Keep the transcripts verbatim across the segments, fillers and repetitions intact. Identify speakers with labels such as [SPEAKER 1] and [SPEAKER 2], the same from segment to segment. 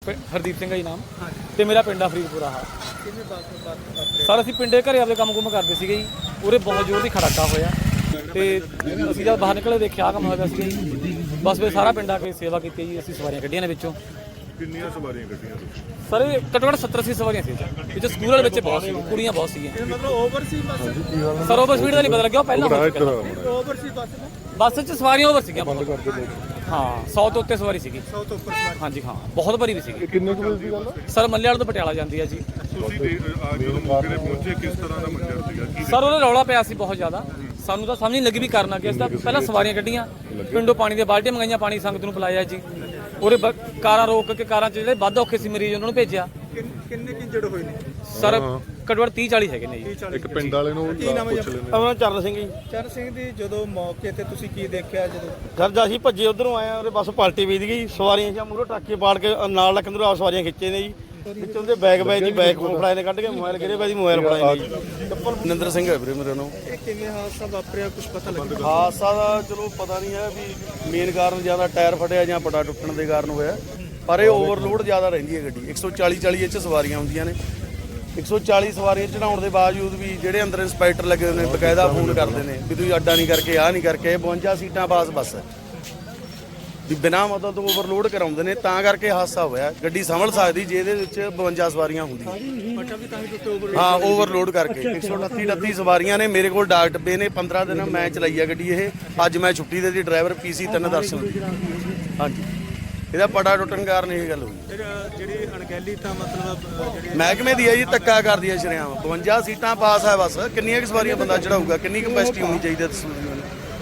[SPEAKER 1] ਹਰਦੀਪ ਸਿੰਘ ਹੈ ਜੀ ਨਾਮ ਤੇ ਮੇਰਾ ਪਿੰਡ ਆ ਫਰੀਦਪੁਰਾ। ਹਾਂ ਸਰ ਅਸੀਂ ਪਿੰਡੇ ਘਰੇ ਆਪਦੇ ਕੰਮ ਕੁੰਮ ਕਰਦੇ ਸੀਗੇ ਜੀ, ਉਰੇ ਬਹੁਤ ਜ਼ੋਰ ਦੀ ਖੜਾਕਾ ਹੋਇਆ ਤੇ ਅਸੀਂ ਜਦ ਬਾਹਰ ਨਿਕਲੇ ਦੇਖਿਆ ਕੰਮ ਹੋਇਆ ਸੀਗਾ ਜੀ। ਬਸ ਫਿਰ ਸਾਰਾ ਪਿੰਡ ਆ ਕੇ ਸੇਵਾ ਕੀਤੀ ਜੀ, ਅਸੀਂ ਸਵਾਰੀਆਂ ਕੱਢੀਆਂ ਨੇ ਵਿੱਚੋਂ।
[SPEAKER 2] ਕਿੰਨੀਆਂ ਸਵਾਰੀਆਂ ਕੱਢੀਆਂ
[SPEAKER 1] ਸਰ ਇਹ ਘੱਟੋ ਘੱਟ ਸੱਤਰ ਅੱਸੀ ਸਵਾਰੀਆਂ ਸੀ ਵਿੱਚ, ਸਕੂਲ ਵਾਲੇ ਬੱਚੇ ਬਹੁਤ ਸੀ, ਕੁੜੀਆਂ ਬਹੁਤ ਸੀਗੀਆਂ।
[SPEAKER 3] ਮਤਲਬ ਓਵਰ ਸੀ ਬੱਸ?
[SPEAKER 1] ਸਰ ਓਵਰ ਸਪੀਡ ਦਾ ਨਹੀਂ ਪਤਾ ਲੱਗਿਆ, ਉਹ ਪਹਿਲਾਂ
[SPEAKER 3] ਓਵਰ ਸੀ ਬੱਸ?
[SPEAKER 1] ਬੱਸ 'ਚ ਸਵਾਰੀਆਂ ਓਵਰ ਸੀਗੀਆਂ ਹਾਂ, ਸੌ ਤੋਂ ਉੱਤੇ ਸਵਾਰੀ ਸੀਗੀ।
[SPEAKER 3] ਸੌ ਤੋਂ ਉੱਪਰ ਸਵਾਰੀ?
[SPEAKER 1] ਹਾਂਜੀ ਹਾਂ, ਬਹੁਤ ਭਰੀ ਵੀ ਸੀਗੀ।
[SPEAKER 2] ਕਿੰਨੇ ਕੁ ਵਜੇ ਦੀ ਗੱਲ ਹੈ
[SPEAKER 1] ਸਰ ਮੱਲੇ ਵਾਲੇ ਤੋਂ ਪਟਿਆਲਾ ਜਾਂਦੀ ਹੈ ਜੀ।
[SPEAKER 2] ਤੁਸੀਂ ਜਦੋਂ ਮੌਕੇ ਤੇ ਪਹੁੰਚੇ ਕਿਸ ਤਰ੍ਹਾਂ ਦਾ ਮੰਜ਼ਰ ਸੀਗਾ? ਕੀ
[SPEAKER 1] ਸਰ ਉਹਦਾ ਰੌਲਾ ਪਿਆ ਸੀ ਬਹੁਤ ਜ਼ਿਆਦਾ, ਸਾਨੂੰ ਤਾਂ ਸਮਝ ਨਹੀਂ ਲੱਗੀ ਵੀ ਕਰਨਾ ਕੀ। ਅਸੀਂ ਤਾਂ ਪਹਿਲਾਂ ਸਵਾਰੀਆਂ ਕੱਢੀਆਂ, ਪਿੰਡੋਂ ਪਾਣੀ ਦੀਆਂ ਬਾਲਟੀਆਂ ਮੰਗਾਈਆਂ, ਪਾਣੀ ਸੰਗਤ ਨੂੰ ਪਿਲਾਇਆ ਜੀ। ਉਹਦੇ ਕਾਰਾਂ ਰੋਕ ਕੇ, ਕਾਰਾਂ 'ਚ ਜਿਹੜੇ ਵੱਧ ਔਖੇ ਸੀ ਮਰੀਜ਼ ਉਹਨਾਂ ਨੂੰ ਭੇਜਿਆ।
[SPEAKER 3] ਕਿੰਨੇ ਕਿ ਇੰਜਰਡ ਹੋਏ ਨੇ
[SPEAKER 1] ਸਰ ਘੱਟੋ ਘੱਟ ਤੀਹ ਚਾਲੀ ਹੈਗੇ ਨੇ ਜੀ।
[SPEAKER 2] ਇੱਕ ਪਿੰਡ ਵਾਲੇ ਨੂੰ
[SPEAKER 3] ਕੀ ਨਾਮ ਹੈ ਜੀ?
[SPEAKER 2] ਪੁੱਛ ਲੈਂਦੇ
[SPEAKER 4] ਆਪਣਾ ਚਰਨ ਸਿੰਘ ਜੀ।
[SPEAKER 3] ਚਰਨ ਸਿੰਘ ਦੀ ਜਦੋਂ ਮੌਕੇ ਤੇ ਤੁਸੀਂ ਕੀ ਦੇਖਿਆ? ਜਦੋਂ
[SPEAKER 4] ਸਰ ਜਦ ਅਸੀਂ ਭੱਜੇ ਉਧਰੋਂ ਆਏ ਆ, ਉਹਦੇ ਬੱਸ ਪਲਟੀ ਵੀਦ ਗਈ, ਸਵਾਰੀਆਂ ਜਾਂ ਮੂਹਰੋਂ ਟਰੱਕੇ ਪਾੜ ਕੇ ਨਾਲ ਲੱਕ ਅੰਦਰੋਂ ਆ ਸਵਾਰੀਆਂ ਖਿੱਚੇ ਨੇ ਜੀ। ਵਿੱਚੋਂ ਦੇ ਬੈਗ ਬੈਗ ਦੀ ਬੈਗ ਫੜਾਏ ਨੇ, ਕੱਢ ਕੇ ਮੋਬਾਈਲ ਗਿਰੇ ਪਏ ਦੀ ਮੋਬਾਈਲ ਫੜਾਏ ਨੇ ਜੀ। ਨਿੰਦਰ ਸਿੰਘ ਹੈ ਵੀਰੇ ਮੇਰੇ ਨੂੰ।
[SPEAKER 3] ਇਹ ਕਿਵੇਂ ਹਾਦਸਾ ਵਾਪਰਿਆ, ਕੁਝ ਪਤਾ ਲੱਗਿਆ?
[SPEAKER 4] ਹਾਦਸਾ ਦਾ ਚਲੋ ਪਤਾ ਨਹੀਂ ਹੈ ਵੀ ਮੇਨ ਕਾਰਨ ਜ਼ਿਆਦਾ ਟਾਇਰ ਫਟਿਆ ਜਾਂ ਪਟਾ ਟੁੱਟਣ ਦੇ ਕਾਰਨ ਹੋਇਆ, ਪਰ ਇਹ ਓਵਰਲੋਡ ਜ਼ਿਆਦਾ ਰਹਿੰਦੀ ਹੈ ਗੱਡੀ। ਇੱਕ ਸੌ ਚਾਲੀ ਚਾਲੀ ਇਹ 'ਚ ਸਵਾਰੀਆਂ ਹੁੰਦੀਆਂ ਨੇ, ਇੱਕ ਸੌ ਚਾਲੀ ਸਵਾਰੀਆਂ ਚੜਾਉਣ ਦੇ ਬਾਵਜੂਦ ਵੀ ਜਿਹੜੇ ਅੰਦਰ ਇੰਸਪੈਕਟਰ ਲੱਗੇ ਹੋਏ ਨੇ ਬਕਾਇਦਾ ਫੋਨ ਕਰਦੇ ਨੇ ਵੀ ਤੁਸੀਂ ਅੱਡਾ ਨਹੀਂ ਕਰਕੇ, ਆਹ ਨਹੀਂ ਕਰਕੇ। ਇਹ ਬਵੰਜਾ ਸੀਟਾਂ ਪਾਸ ਬੱਸ ਹੈ ਵੀ ਬਿਨਾਂ ਮਤਲਬ ਤੋਂ ਓਵਰਲੋਡ ਕਰਾਉਂਦੇ ਨੇ, ਤਾਂ ਕਰਕੇ ਹਾਦਸਾ ਹੋਇਆ। ਗੱਡੀ ਸੰਭਲ ਸਕਦੀ ਜੇ ਇਹਦੇ ਵਿੱਚ ਬਵੰਜਾ ਸਵਾਰੀਆਂ ਹੁੰਦੀਆਂ।
[SPEAKER 3] ਪਟਾ ਵੀ ਤਾਂ ਹੀ ਟੁੱਟੇ ਓਵਰ?
[SPEAKER 4] ਹਾਂ ਓਵਰਲੋਡ ਕਰਕੇ ਇੱਕ ਸੌ ਅਠੱਤੀ ਅਠੱਤੀ ਸਵਾਰੀਆਂ ਨੇ। ਮੇਰੇ ਕੋਲ ਡਾਕ ਡੱਬੇ ਨੇ, ਪੰਦਰਾਂ ਦਿਨ ਮੈਂ ਚਲਾਈ ਆ ਗੱਡੀ ਇਹ। ਅੱਜ ਮੈਂ ਛੁੱਟੀ ਦੇ ਦੀ, ਡਰਾਈਵਰ ਪੀਸੀ ਤਿੰਨ ਦਰਸ਼ਨ। ਹਾਂਜੀ ਇਹਦਾ ਪਟਾ ਟੁੱਟਣ ਕਾਰਨ ਇਹ ਗੱਲ ਹੋਈ।
[SPEAKER 3] ਫਿਰ ਜਿਹੜੀ ਅਣਗਹਿਲੀ ਤਾਂ ਮਤਲਬ ਜਿਹੜੀ
[SPEAKER 4] ਮਹਿਕਮੇ ਦੀ ਹੈ ਜੀ, ਧੱਕਾ ਕਰਦੀ ਹੈ ਸ਼ਰਿਆਮ। ਬਵੰਜਾ ਸੀਟਾਂ ਪਾਸ ਹੈ ਬੱਸ, ਕਿੰਨੀਆਂ ਕੁ ਸਵਾਰੀਆਂ ਬੰਦਾ ਚੜਾਊਗਾ? ਕਿੰਨੀ ਕਪੈਸਿਟੀ ਹੋਣੀ ਚਾਹੀਦੀ ਹੈ ਦੱਸੋ ਜੀ ਮੈਨੂੰ।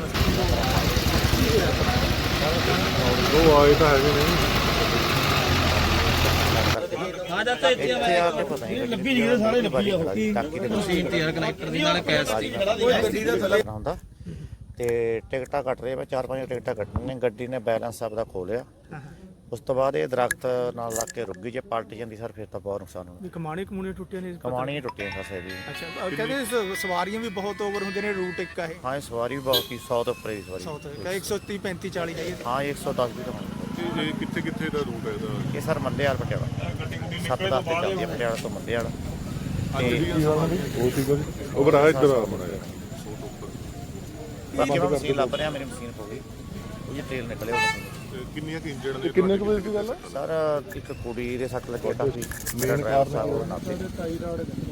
[SPEAKER 2] ਉਹ ਆਏ ਤਾਂ ਹੈਗੇ ਨੇ।
[SPEAKER 5] ਆ ਜਾਂਦਾ ਇੱਥੇ ਆ ਕੇ ਪਤਾ ਨਹੀਂ ਲੱਗੀ ਜੀ ਸਾਰੇ ਲੱਗੀ ਆ ਕੀ ਮਸ਼ੀਨ ਤੇ ਯਾਰ ਕਨੈਕਟਰ ਦੀ ਨਾਲ ਕੈਸ ਦੀ ਗੱਡੀ ਦਾ ਥੱਲੇ ਹੁੰਦਾ ਤੇ ਟਿਕਟਾਂ ਕੱਟ ਰਹੇ ਮੈਂ ਚਾਰ ਪੰਜ ਟਿਕਟਾਂ ਕੱਟਣੀਆਂ ਨੇ। ਗੱਡੀ ਨੇ ਬੈਲੈਂਸ ਆਪਦਾ ਖੋ ਲਿਆ, ਉਸ ਤੋਂ ਬਾਅਦ ਇਹ ਦਰਖਤ ਨਾਲ ਲੱਗ ਕੇ ਰੁਕ ਗਈ। ਜੇ ਪਲਟ ਜਾਂਦੀ ਸਰ ਫਿਰ ਤਾਂ ਬਹੁਤ ਨੁਕਸਾਨ ਹੋਣਾ।
[SPEAKER 3] ਕਮਾਣੀ ਕਮੂਣੀ ਟੁੱਟੀਆਂ ਨੇ?
[SPEAKER 5] ਕਮਾਣੀਆਂ ਟੁੱਟੀਆਂ ਫਸੇ ਦੀ।
[SPEAKER 3] ਅੱਛਾ ਕਹਿੰਦੇ ਸ- ਸਵਾਰੀਆਂ ਵੀ ਬਹੁਤ ਓਵਰ ਹੁੰਦੇ ਨੇ, ਰੂਟ ਇੱਕ ਆ ਇਹ?
[SPEAKER 5] ਹਾਂ ਇਹ ਸਵਾਰੀ ਵੀ ਬਹੁਤ ਹੀ ਸੌ ਤੋਂ ਉੱਪਰ ਦੀ ਸਵਾਰੀ।
[SPEAKER 3] ਸੌ ਤੋਂ ਇੱਕ ਸੌ ਤੀਹ ਪੈਂਤੀ ਚਾਲੀ ਹੈਗੀ?
[SPEAKER 5] ਹਾਂ ਇੱਕ ਸੌ ਦਸ ਵੀ ਤਾਂ ਹੋਣੀ।
[SPEAKER 2] ਇਹ ਕਿੱਥੇ ਕਿੱਥੇ ਦਾ ਰੂਟ ਹੈ ਇਹਦਾ?
[SPEAKER 5] ਇਹ ਸਰ ਮੱਲੇ ਵਾਲ ਪਟਿਆਲਾ ਸੱਤ ਦਸ ਤੇ ਚੱਲਦੀ ਹੈ, ਪਟਿਆਲਾ ਤੋਂ ਮੱਲੇ ਵਾਲਾ।
[SPEAKER 2] ਉਹ ਸੀਗਾ ਉਹ ਬੜਾ ਇੱਧਰ ਆ ਬਣਾਇਆ
[SPEAKER 5] ਬਾਕੀ ਮੈਂ ਮਸ਼ੀਨ ਲੱਭ ਰਿਹਾ, ਮੇਰੀ ਮਸ਼ੀਨ ਹੋ ਗਈ, ਉਹ ਜੀ ਤੇਲ ਨਿਕਲਿਆ ਉਹ।
[SPEAKER 2] ਕਿੰਨੀਆਂ ਕਿ ਇੰਜਰਡ ਨੇ? ਕਿੰਨੇ ਕੁ ਵਜੇ ਦੀ ਗੱਲ ਹੈ?
[SPEAKER 5] ਸਰ ਇੱਕ ਕੁੜੀ ਦੇ ਸੱਟ ਲੱਗਿਆ ਕਾਫੀ।
[SPEAKER 2] ਮੇਨ ਕਾਰਨ
[SPEAKER 5] ਸਾਹਿਬ ਉਹ ਨਾਤੇ